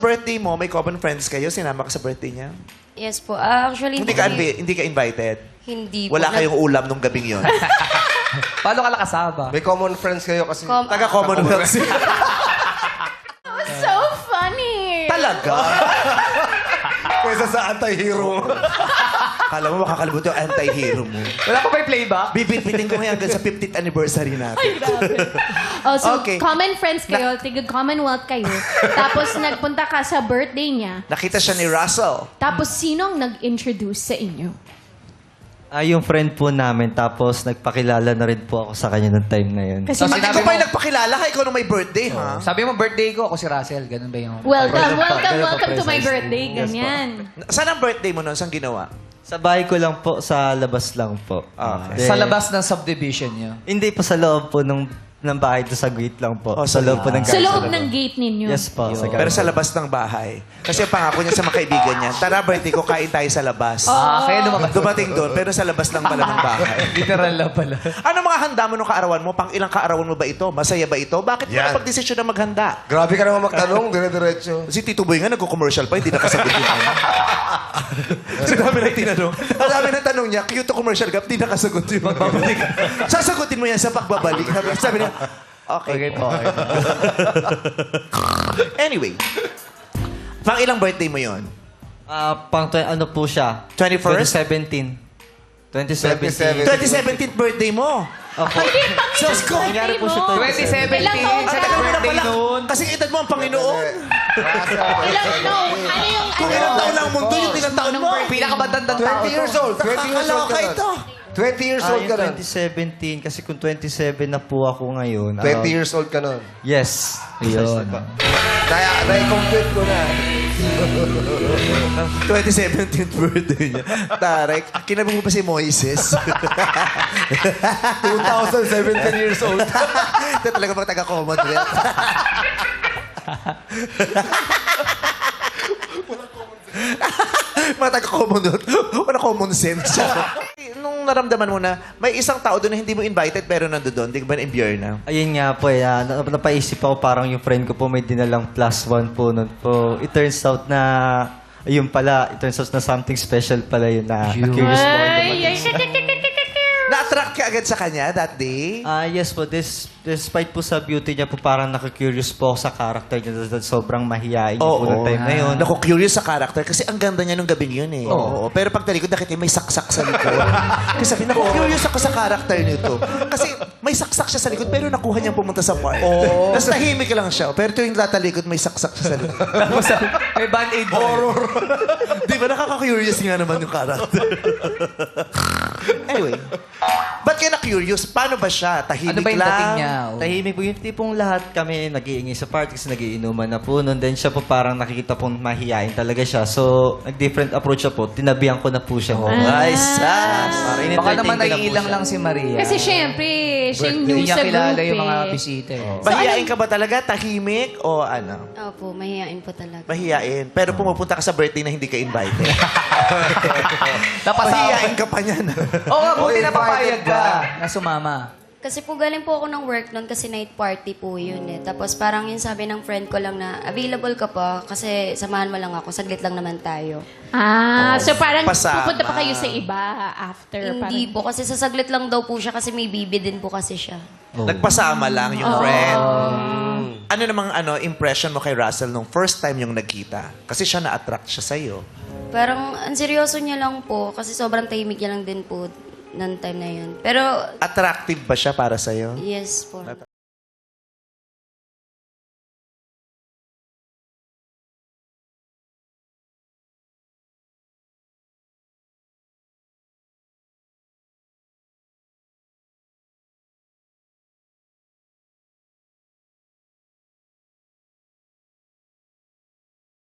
Birthday mo, may common friends kayo? Sinama ka sa birthday niya? Yes po. Actually, Hindi ka invited? Hindi po. Wala kayong ulam nung gabing yon. Paano ka nakasama? May common friends kayo kasi. Taga-Commonwealth sila. So funny! Talaga? Kesa sa anti-hero. Kala mo makakalimutan yung anti-hero mo. Wala ka ba yung playback? Bibitbitin ko ngayon hanggang sa 50th anniversary natin. Oh, so, Okay. common friends kayo, Commonwealth kayo. Tapos, nagpunta ka sa birthday niya. Nakita siya ni Russell. Tapos, sino ang nag-introduce sa inyo? Yung friend po namin, tapos nagpakilala na rin po ako sa kanya ng time na yun. Kasi, So, At sinabi ikaw pa mo- yung nagpakilala ka, ikaw nung may birthday, ha? Sabi mo birthday ko, ako si Russell. Ganun ba yung... welcome to my birthday. Ganyan. Saan ang birthday mo nun? Saan ginawa? Sa bahay ko lang po, sa labas lang po. Okay. Sa labas ng subdivision niyo. Hindi po sa loob po ng bahay, to sa gate lang po. Oh, sa loob po ng Sa garden. loob ng gate ninyo. Yes po. Sa Pero garden. sa labas ng bahay. Kasi ang pangako niya sa mga kaibigan niya, tara birthday ko, kain tayo sa labas. Kaya lumabas. Dumating doon, pero sa labas lang pala ng bahay. Literal lang pala. Ano mga handa mo nung kaarawan mo? Pang ilang kaarawan mo ba ito? Masaya ba ito? Bakit mo Yan. napag-desisyon na maghanda? Grabe ka naman magtanong, dire-diretso. Si Tito Boy nga nagko-commercial pa, hindi nakasagot yun. Sa dami na tinanong. Ang dami na tanong niya, cute to commercial gap, hindi nakasagot yun. Sasagutin mo yan sa pagbabalik. Sabi niya, okay. Okay po. Anyway, pang ilang birthday mo yon? Ano po siya? 21st? 2017. 2017th birthday mo. Opo. Diyos ko! Nangyari po siya 2017. Ilang taon Sa ka? Tagal mo na birthday pala. noon. Kasi edad mo ang Panginoon. Ano yung... Kung ilang taon lang ang mundo, yung ilang taon mo. Pinakabatandang tao 20 years to. old. 20 years old Nakakaloka ka ito. nun. 20 years old ka nun. 2017, kasi kung 27 na po ako ngayon. 20 years old ka nun. Yes. Yun. Na-complete ko na. 2017th birthday niya. Tarek, kinabang mo pa si Moises. 2017 years old. Ito talaga mga taga-Commonwealth. Mga taga-Commonwealth. Wala common sense. Nung naramdaman mo na may isang tao doon na hindi mo invited pero nandoon, di ba na-imbier na? Ayun nga po, napaisip ako parang yung friend ko po may dinalang +1 po nun po. It turns out na, ayun pala, it turns out na something special pala yun na curious po ako dumating. Na-attract ka agad sa kanya that day? Yes po, despite po sa beauty niya po, parang nakakurious po ako sa character niya. Sobrang mahihain niya po ng time na yun. Naku, curious sa character kasi ang ganda niya nung gabing yun eh. Oo. Pero pag talikod, nakita may saksak sa likod. Kasi sabi, naku, curious ako sa character nito. Kasi may saksak siya sa likod, pero nakuha niyang pumunta sa park. Tapos tahimik lang siya. Pero tuwing tatalikod, may saksak siya sa likod. Tapos may band-aid horror. Di ba nakaka-curious nga naman yung character? Anyway, ba't ka na-curious? Paano ba siya? Tahimik Ano ba yung lang? dating niya? Tahimik po yung tipong lahat kami nag-iingay sa party kasi nagiinuman na po nun. Then siya po parang nakikita pong mahihain talaga siya. So, nag-different approach siya po. Tinabihan ko na po siya. Ay, sas! Para Baka in-entertain naman ko na po naiilang siya. lang si Maria. Kasi syempre, siya yung Hindi new niya sa kilala group yung mga eh. bisita eh. Mahihain ka ba talaga? Tahimik? O ano? Opo, mahihain po talaga. Mahihain. Pero pumupunta ka sa birthday na hindi ka invited. Napasama. Mahihain ka pa niyan. Oo nga, buti na papayag ka na sumama. Kasi po galing po ako ng work noon kasi night party po yun eh. Tapos parang yun sabi ng friend ko lang na available ka pa kasi samahan mo lang ako, saglit lang naman tayo. So parang Pasama. pupunta pa kayo sa iba after. Hindi po kasi sasaglit lang daw po siya kasi may bibi din po kasi siya. Nagpasama lang yung friend. Ano namang impression mo kay Russell nung first time yung nagkita? Kasi siya na-attract siya sa'yo. Parang ang seryoso niya lang po kasi sobrang tahimik niya lang din po ng time na yun. Pero Attractive ba siya para sa'yo? yes po.